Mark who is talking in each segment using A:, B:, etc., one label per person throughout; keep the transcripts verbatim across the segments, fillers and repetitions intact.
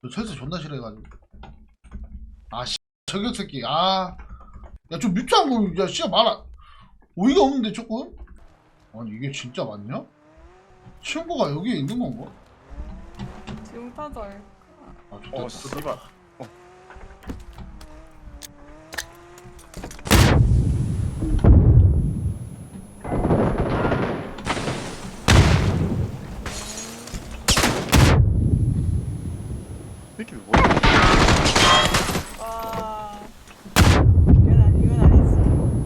A: 저 철새 존나 싫어해가지고. 아 씨 저격 새끼. 아 야 좀 뮤트한 거. 야 씨야 말아. 어이가 없는데 조금. 아니 이게 진짜 맞냐? 친구가 여기에 있는 건가?
B: 지금 타절.
A: 아 좋다.
C: 어 씨발. 어. 이렇게 뭐야?
B: 와. 이건 아, 이건 아니지.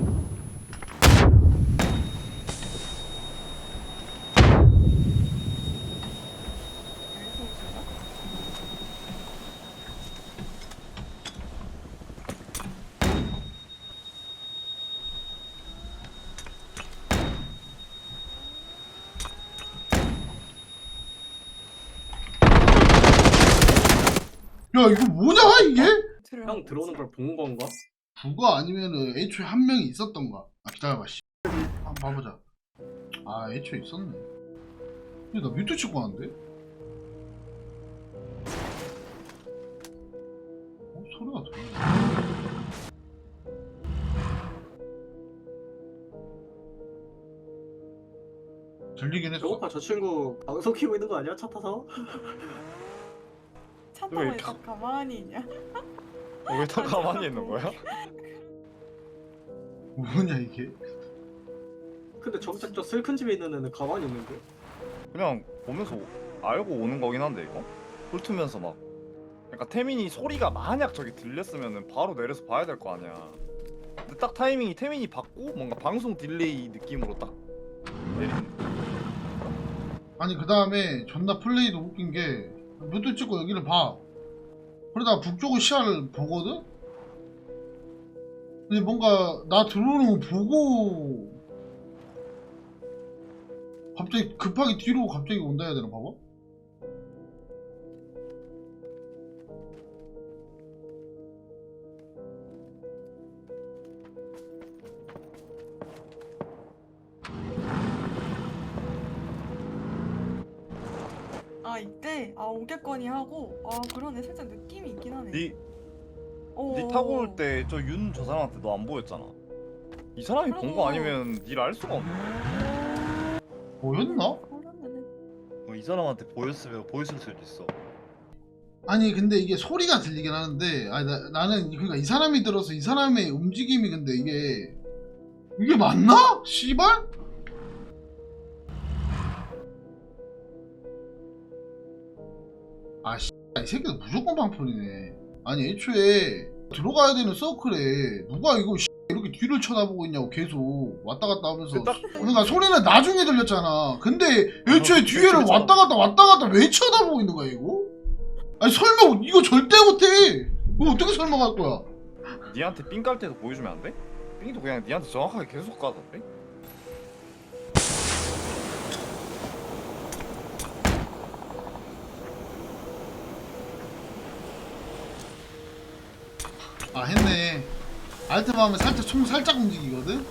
B: 여기서 오시나?
A: 야 이거 뭐냐 이게?
D: 형 들어오는 걸 본 건가?
A: 부가 아니면은 애초에 한 명이 있었던가. 아 기다려봐 씨. 한번 봐보자. 아 애초에 있었네. 근데 나 뮤트 치고 왔는데? 어? 소리가 들리네. 들리긴 했어.
D: 배고파 저 친구 방송 키고 있는 거 아니야? 차 타서?
B: 차
C: 왜
B: 타고
C: 이렇게-
B: 있다 가만히 있냐?
C: 어, 왜 다 가만히 있는 거야?
A: 뭐냐 이게?
D: 근데 정작 저 슬픈 집에 있는 애는 가만히 있는데?
C: 그냥 보면서 오- 알고 오는 거긴 한데 이거 훑으면서 막 그러니까 태민이 소리가 만약 저기 들렸으면은 바로 내려서 봐야 될 거 아니야. 근데 딱 타이밍이 태민이 받고 뭔가 방송 딜레이 느낌으로 딱 내리는.
A: 아니 그 다음에 존나 플레이도 웃긴 게 뮤트 찍고 여기를 봐. 그러다가 북쪽의 시야를 보거든? 근데 뭔가 나 들어오는 거 보고 갑자기 급하게 뒤로 갑자기 온다 해야 되나 봐봐.
B: 아 이때 아 오겠거니 하고 아 그러네 살짝 느낌이 있긴 하네.
C: 니,
B: 어.
C: 니 타고 올 때 저 윤 저 사람한테 너 안 보였잖아. 이 사람이 본 거
B: 그러고.
C: 아니면 닐 알 수가 없네.
A: 보였나?
B: 그러면은
E: 뭐 이 사람한테 보였으면 보였을 수도 있어.
A: 아니 근데 이게 소리가 들리긴 하는데 아니 나, 나는 그러니까 이 사람이 들어서 이 사람의 움직임이 근데 이게 이게 맞나? 씨발? 아 씨, 이 새끼들 무조건 방풀이네. 아니 애초에 들어가야 되는 서클에 누가 이거 씨, 이렇게 뒤를 쳐다보고 있냐고 계속 왔다 갔다 하면서.
C: 그 딱
A: 그러니까 소리는 나중에 들렸잖아. 근데 애초에
C: 어,
A: 뒤에를
C: 그랬잖아.
A: 왔다 갔다 왔다 갔다 왜 쳐다보고 있는 거야 이거? 아니 설명 이거 절대 못해. 이거 어떻게 설명할 거야?
C: 니한테 삥 깔 때도 보여주면 안 돼? 삥도 그냥 니한테 정확하게 계속 가던데?
A: 아 했네. 알트만 하면 살짝 총 살짝 움직이거든.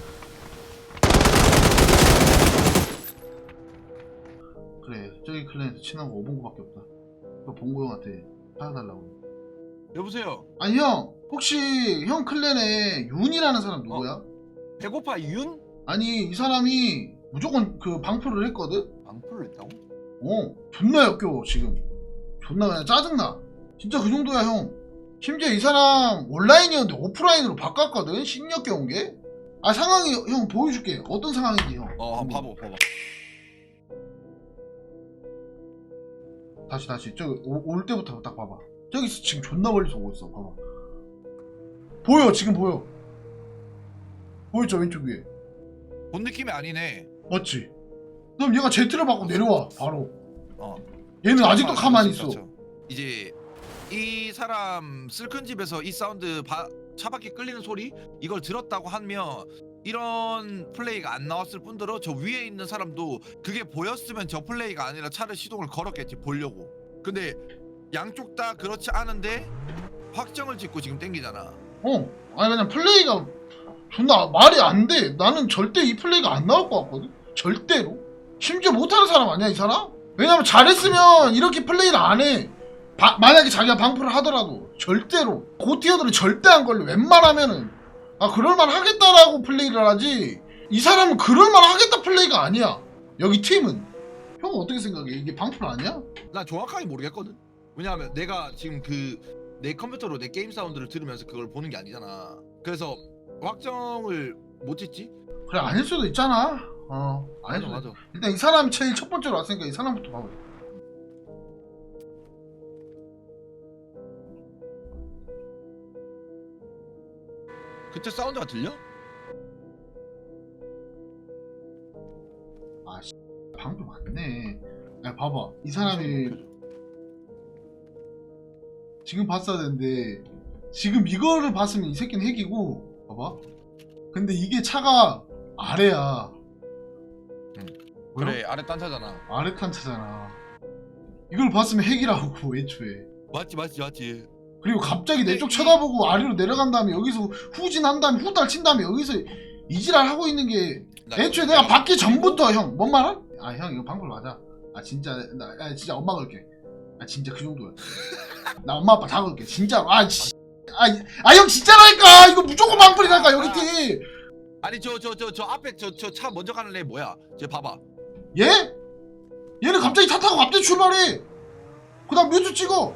A: 그래 저기 클랜에서 친한 거 오봉구밖에 없다. 그 봉구 형한테 찾아달라고.
F: 여보세요.
A: 아니 형 혹시 형 클랜에 윤이라는 사람 누구야?
F: 배고파 윤?
A: 아니 이 사람이 무조건 그 방풀을 했거든?
F: 방풀을 했다고?
A: 어 존나 역겨워 지금. 존나 그냥 짜증나. 진짜 그 정도야 형. 심지어 이 사람 온라인이었는데 오프라인으로 바꿨거든? 신역겨운 게? 아 상황이 형 보여줄게. 어떤 상황인지 형.
F: 어, 한번 봐봐, 봐봐.
A: 다시 다시 저기 오- 올 때부터 딱 봐봐. 저기서 지금 존나 멀리서 오고 있어. 봐봐. 보여 지금 보여. 보였죠 왼쪽 위에.
F: 본 느낌이 아니네.
A: 맞지? 그럼 얘가 제트를 받고 내려와 바로.
F: 어.
A: 얘는 아직도
F: 잠깐만,
A: 가만히
F: 그럴 수
A: 있어.
F: 있죠. 이제 이 사람 슬픈 집에서 이 사운드 바, 차바퀴 끌리는 소리 이걸 들었다고 하면 이런 플레이가 안 나왔을 뿐더러 저 위에 있는 사람도 그게 보였으면 저 플레이가 아니라 차를 시동을 걸었겠지 보려고. 근데 양쪽 다 그렇지 않은데 확정을 짓고 지금 땡기잖아.
A: 어. 아니 그냥 플레이가 존나 말이 안 돼. 나는 절대 이 플레이가 안 나올 것 같거든. 절대로. 심지어 못하는 사람 아니야 이 사람? 왜냐면 잘했으면 이렇게 플레이를 안 해. 바, 만약에 자기가 방풀을 하더라도 절대로 고티어들은 절대 안 걸려. 웬만하면은 아 그럴만 하겠다라고 플레이를 하지. 이 사람은 그럴만 하겠다 플레이가 아니야. 여기 팀은. 형은 어떻게 생각해? 이게 방풀 아니야?
F: 나 정확하게 모르겠거든. 왜냐하면 내가 지금 그 내 컴퓨터로 내 게임 사운드를 들으면서 그걸 보는 게 아니잖아. 그래서 확정을 못 짓지?
A: 그래 아닐 수도 있잖아. 어 아닐
F: 맞아
A: 수도.
F: 맞아.
A: 일단 이 사람이 제일 첫 번째로 왔으니까 이 사람부터 봐봐.
F: 그때 사운드가 들려?
A: 아 씨, 방풀 맞네. 야 봐봐 이 사람이 지금 봤어야 되는데 지금 이거를 봤으면 이 새끼는 핵이고 봐봐. 근데 이게 차가 아래야.
F: 그래 아래 딴차잖아.
A: 아래 탄차잖아. 이걸 봤으면 핵이라고 애초에.
F: 맞지 맞지 맞지.
A: 그리고 갑자기 내
F: 근데
A: 쪽
F: 이-
A: 쳐다보고 아래로 내려간 다음에 여기서 후진한 다음에 후달 친 다음에 여기서 이지랄 하고 있는 게
F: 나
A: 애초에
F: 이거
A: 내가 받기 전부터 형 뭔 말아? 아 형 이거 방풀 맞아. 아 진짜 나 아, 진짜 엄마 걸게. 아 진짜 그 정도야. 나 엄마 아빠 다 걸게 진짜로. 아 씨. 아 형 진짜라니까 이거 무조건 방풀이라니까 여기 팀.
F: 아니 저 저 저 저 앞에 저 저 차 먼저 가는 애 뭐야? 쟤 봐봐.
A: 얘? 얘는 갑자기 타 타고 갑자기 출발해. 그 다음 뮤트 찍어.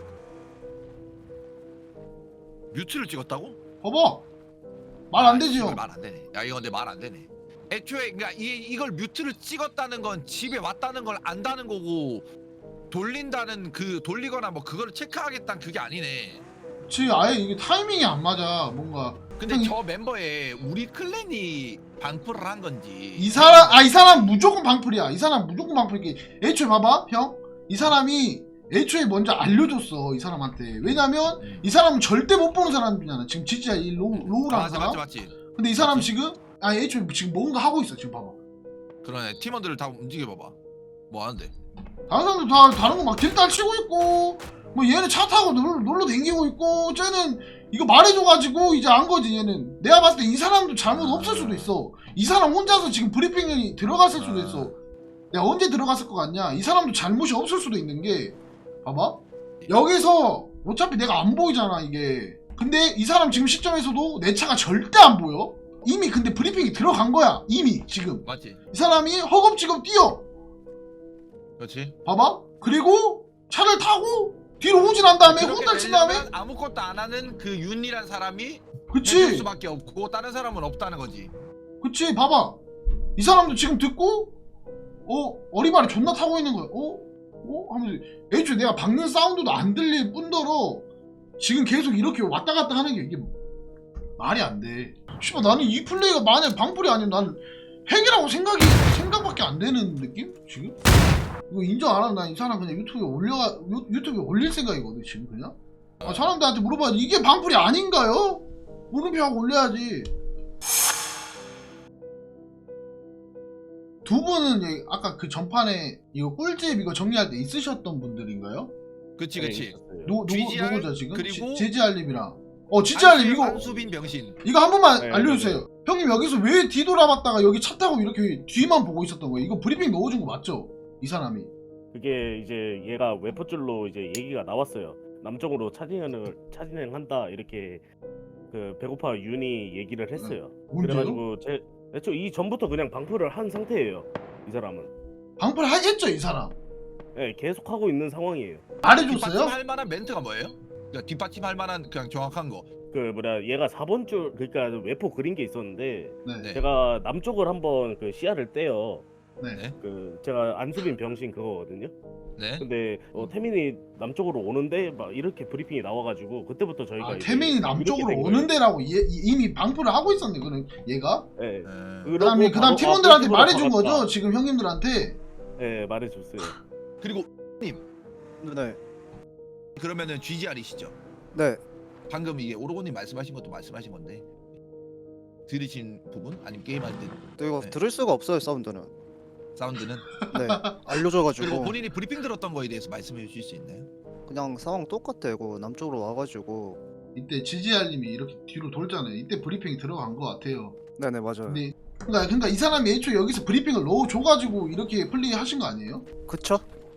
F: 뮤트를 찍었다고?
A: 봐봐. 말 안 되지 형.
F: 말 안 되네. 야 이거 근데 말 안 되네. 애초에 그러니까 이 이걸 뮤트를 찍었다는 건 집에 왔다는 걸 안다는 거고 돌린다는 그 돌리거나 뭐 그거를 체크하겠다는 그게 아니네.
A: 그치 아예 이게 타이밍이 안 맞아 뭔가.
F: 근데
A: 형,
F: 저 멤버에 우리 클랜이 방풀을 한 건지
A: 이 사람 아 이 사람 무조건 방풀이야. 이 사람 무조건 방풀이. 애초에 봐봐 형. 이 사람이 애초에 먼저 알려줬어 이 사람한테. 왜냐면
F: 음.
A: 이 사람은 절대 못 보는 사람이잖아. 지금 진짜 이 로우 로우라는
F: 맞지
A: 사람.
F: 맞지 맞지.
A: 근데 이 사람
F: 맞지.
A: 지금 아 애초에 지금 뭔가 하고 있어 지금 봐봐.
F: 그러네 팀원들을 다 움직여 봐봐. 뭐 하는데?
A: 다른 사람들 다 다른 거 막 딜딸 치고 있고 뭐 얘는 차 타고 놀러, 놀러 댕기고 있고 쟤는 이거 말해줘가지고 이제 안 거지 얘는. 내가 봤을 때 이 사람도 잘못 없을 수도 있어. 이 사람 혼자서 지금 브리핑이 들어갔을 수도 있어. 내가 언제 들어갔을 것 같냐. 이 사람도 잘못이 없을 수도 있는 게 봐봐 여기서 어차피 내가 안 보이잖아 이게. 근데 이 사람 지금 시점에서도 내 차가 절대 안 보여. 이미 근데 브리핑이 들어간 거야 이미 지금.
F: 맞지?
A: 이 사람이 허겁지겁 뛰어.
F: 그렇지.
A: 봐봐. 그리고 차를 타고 뒤로 후진한 다음에
F: 그렇게
A: 후달 친 다음에
F: 되려면 아무것도 안 하는 그 윤이란 사람이 해줄
A: 그치
F: 수밖에 없고 다른 사람은 없다는 거지.
A: 그치 봐봐 이 사람도 지금 듣고 어 어리바리 존나 타고 있는 거야. 어? 어? 하면서 애초에 내가 박는 사운드도 안 들릴 뿐더러 지금 계속 이렇게 왔다 갔다 하는 게 이게 말이 안돼. 씨발 나는 이 플레이가 만약 방풀이 아니면 나는 핵이라고 생각이 생각밖에 안 되는 느낌? 지금? 이거 인정 안 하면 난 이 사람 그냥 유튜브에 올려가 유, 유튜브에 올릴 생각이거든 지금 그냥. 아, 사람들한테 물어봐 이게 방풀이 아닌가요? 물음표하고 올려야지. 두 분은 예, 아까 그 전판에 이거 꿀집 이거 정리할 때 있으셨던 분들인가요?
F: 그치 그치.
A: 누, 누구,
F: 지지알,
A: 누구죠 지금?
F: 그리고
A: 제지알님이랑 어 지지알님 이거
F: 한수빈 병신.
A: 이거 한 번만
E: 네,
A: 알려주세요.
E: 네,
A: 형님 여기서 왜 뒤돌아봤다가 여기 차 타고 이렇게 뒤만 보고 있었던 거예요? 이거 브리핑 넣어준 거 맞죠? 이 사람이.
G: 그게 이제 얘가 웨퍼줄로 이제 얘기가 나왔어요. 남쪽으로 차진행을 차진행한다 이렇게 그 배고파 윤이 얘기를 했어요.
A: 언제요?
G: 그래가지고 제 애초 이 전부터 그냥 방풀을 한 상태예요. 이 사람은.
A: 방풀 하겠죠 이 사람?
G: 네, 계속 하고 있는 상황이에요.
A: 말해줬어요?
F: 뒷받침할 만한 멘트가 뭐예요? 그러니까 뒷받침할 만한 그냥 정확한 거.
G: 그 뭐냐 얘가 사 번 줄 그러니까 웨퍼 그린 게 있었는데
A: 네.
F: 네.
G: 제가 남쪽을 한번 그 시야를 떼요.
A: 네.
F: 네.
G: 그 제가 안수빈 병신 그거거든요.
F: 네.
G: 근데 어, 태민이 남쪽으로 오는데 막 이렇게 브리핑이 나와가지고 그때부터 저희가
A: 아
G: 이제
A: 태민이 남쪽으로
G: 이렇게 된
A: 오는 데라고 얘, 이- 이미 방풀을 하고 있었네 그는 얘가.
G: 거예요. 네.
F: 네.
A: 그 다음에 그 다음
G: 바로-
A: 팀원들한테
G: 아,
A: 말해준
G: 꿀집으로
A: 거죠 지금 형님들한테.
G: 네 말해줬어요.
F: 그리고
H: 네.
F: 그러면은 지지알이시죠?
H: 네.
F: 방금 이게 오로고님 말씀하신 것도 말씀하신 건데 들으신 부분 아니면 게임할 때
H: 또 이거
F: 네.
H: 들을 수가 없어요 사운드는.
F: 사운드는
H: 네.
F: 그리고
H: 알려줘가지고
F: 본인이 브리핑 들었던 거에 대해서 말씀해 주실 수 있나요?
H: 그냥 상황 똑같아. 이거 남쪽으로 와가지고.
A: 이때 지지알님이 이렇게 뒤로 돌잖아요. 이때 브리핑이 들어간 것 같아요.
H: 네네 맞아요.
A: 근데 그러니까, 그러니까 이 사람이 애초에 여기서 브리핑을 넣어줘가지고 이렇게 플레이 하신 거 아니에요?
H: 그쵸?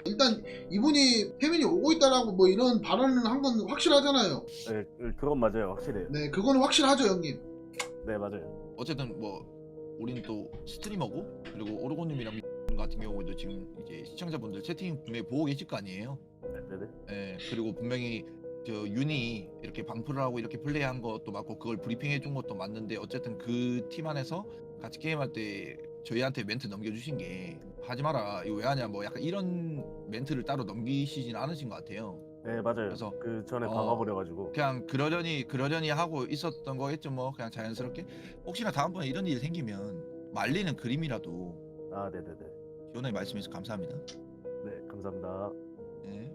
A: 일단 이분이 태민이 오고 있다라고 뭐 이런 발언을 한 건 확실하잖아요.
G: 네, 그건 맞아요. 확실해요.
A: 네, 그거는 확실하죠, 형님.
G: 네, 맞아요.
F: 어쨌든 뭐 우리는 또 스트리머고 그리고 오르고님이랑 같은 경우도 지금 이제 시청자분들 채팅 분명히 보고 계실 거 아니에요.
G: 네, 네, 네.
F: 예, 그리고 분명히 저 윤이 이렇게 방풀을 하고 이렇게 플레이한 것도 맞고 그걸 브리핑해 준 것도 맞는데 어쨌든 그 팀 안에서 같이 게임할 때 저희한테 멘트 넘겨주신 게 하지 마라 이거 왜 하냐 뭐 약간 이런 멘트를 따로 넘기시진 않으신 것 같아요.
G: 네, 맞아요.
F: 그래서
G: 그 전에
F: 어,
G: 박아버려가지고.
F: 그냥 그러려니 그러려니 하고 있었던 거겠죠 뭐 그냥 자연스럽게 혹시나 다음번에 이런 일이 생기면 말리는 그림이라도
G: 아, 네, 네, 네.
F: 시원하게 말씀해서 감사합니다.
G: 네, 감사합니다.
F: 네.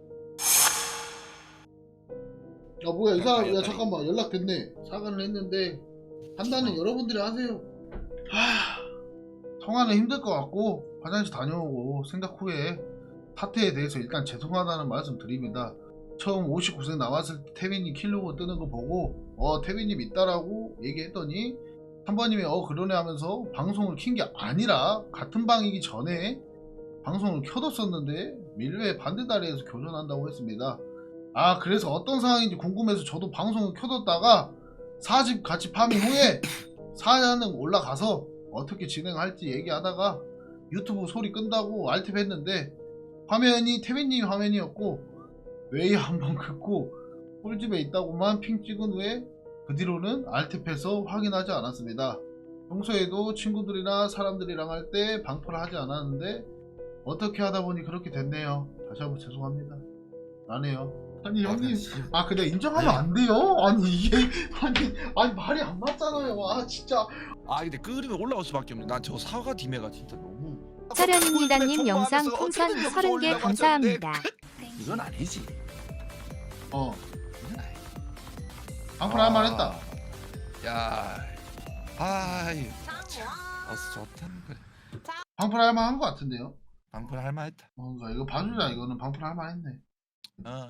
A: 야, 뭐야, 이 사람, 야,
F: 빨리.
A: 잠깐만, 연락됐네. 사과를 했는데, 판단은 여러분들이 하세요. 하, 통화는 힘들 것 같고, 화장실 다녀오고, 생각 후에 사태에 대해서 일단 죄송하다는 말씀 드립니다. 처음 오십구 세 나왔을 때 태빈이 킬로고 뜨는 거 보고, 어, 태빈님 있다라고 얘기했더니, 한 번님이 어, 그러네 하면서 방송을 킨 게 아니라, 같은 방이기 전에 방송을 켜뒀었는데, 밀레 반대다리에서 교전한다고 했습니다. 아, 그래서 어떤 상황인지 궁금해서 저도 방송을 켜뒀다가 사집 같이 파밍 후에 사연은 올라가서 어떻게 진행할지 얘기하다가 유튜브 소리 끈다고 알팁 했는데 화면이 태민님 화면이었고 웨이 한번 긋고 꿀집에 있다고만 핑 찍은 후에 그 뒤로는 알팁해서 확인하지 않았습니다. 평소에도 친구들이나 사람들이랑 할 때 방풀을 하지 않았는데 어떻게 하다 보니 그렇게 됐네요. 다시 한번 죄송합니다. 라네요. 아니 형님, 아 근데 인정하면 안 돼요? 아니 이게 아니 아니 말이 안 맞잖아요. 아 진짜.
F: 아 근데 끓이면 올라올 수밖에 없네. 난 저 사과 디메가 진짜 너무.
I: 서련입니다님 영상
F: 정보하면서
I: 풍선
F: 어떻게
I: 서른 개
F: 올라가셨는데
I: 감사합니다.
F: 이건 아니지.
A: 어.
F: 이건 아니.
A: 방풀 할 만했다.
F: 야, 아이, 어서 좋다. 그래.
A: 방풀 할 만한 것 같은데요.
F: 방풀 할 만했다.
A: 뭔가 이거 봐주자. 이거는 방풀 할 만했네.
F: 어.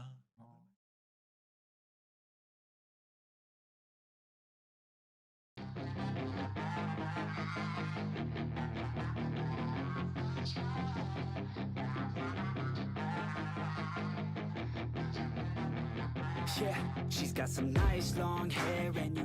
J: Yeah, she's got some nice long hair and you